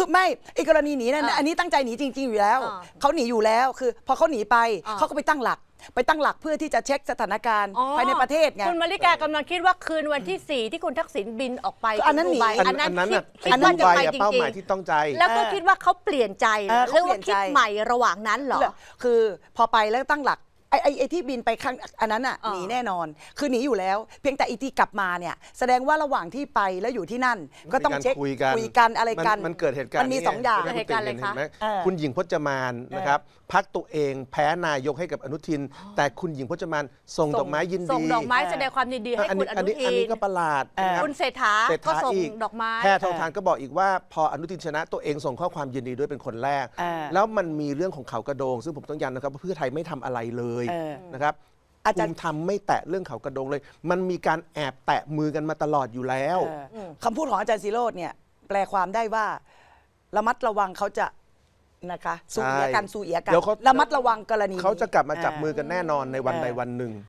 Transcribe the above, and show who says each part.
Speaker 1: คือไม่ไอ้กรณีหนีนั่นอันนี้ตั้งใจหนีจริงๆอยู่แล้วเขาหนีอยู่แล้วคือพอเขาหนีไปเขาก็ไปตั้งหลักเพื่อที่จะเช็คสถานการณ์ภายในประเทศไง
Speaker 2: คุณมาริกากำลังคิดว่าคืนวันที่ 4 ที่คุณทักษิณบินออกไป
Speaker 1: อันนั้นหนี
Speaker 2: อันนั้นคิด
Speaker 3: ว่า
Speaker 2: ว่า
Speaker 3: จะ
Speaker 2: จะ
Speaker 3: ไป
Speaker 2: ไปจ
Speaker 3: เป้าห
Speaker 2: ริง
Speaker 3: มายที่ต้องใจ
Speaker 2: ๆแล้วก็คิดว่าเขาเปลี่ยนใจหรือว่าคิดใหม่ระหว่างนั้นเหรอ
Speaker 1: คือพอไปแล้วตั้งหลักไอ้ที่บินไปข้างอันนั้นอ่ะหนีแน่นอนคือหนีอยู่แล้วเพียงแต่อีที่กลับมาเนี่ยแสดงว่าระหว่างที่ไปแล้วอยู่ที่นั่นก็ต้องเช็คคุยกันอะไรกัน
Speaker 3: มันเกิดเหตุการณ์
Speaker 1: มันมีสองอย่าง
Speaker 2: เหตุการณ์อะไรคะ
Speaker 3: คุณหญิงพจมานนะครับพักตัวเองแพ้นายกให้กับอนุทิน แต่คุณหญิงพจมานส่งดอกไม้ยินดี
Speaker 2: ส่งดอกไม้แสดงความยินดีให้คุณอนุทิน
Speaker 3: อันนี้ก็ประหลาดนะครับ
Speaker 2: คุณเศรษฐาก็ส่งดอกไม้
Speaker 3: แพทองทานก็บอกอีกว่าพออนุทินชนะตัวเองส่งข้อความยินดีด้วยเป็นคนแรก แล้วมันมีเรื่องของเขากระโดงซึ่งผมต้องย้ำนะครับว่าเพื่อไทยไม่ทำอะไรเลยนะครับภูมิธรรมไม่แตะเรื่องเขากระโดงเลย มันมีการแอบแตะมือกันมาตลอดอยู่แล้ว
Speaker 1: คำพูดของอาจารย์ศิโรจน์เนี่ยแปลความได้ว่าระมัดระวังเขาจะนะคะสู้เอียกัน
Speaker 3: เดี๋ยวเขา
Speaker 1: ระมัดระวังกรณี
Speaker 3: เขาจะกลับมาจับมือกันแน่นอนในวันใดวันหนึ่ง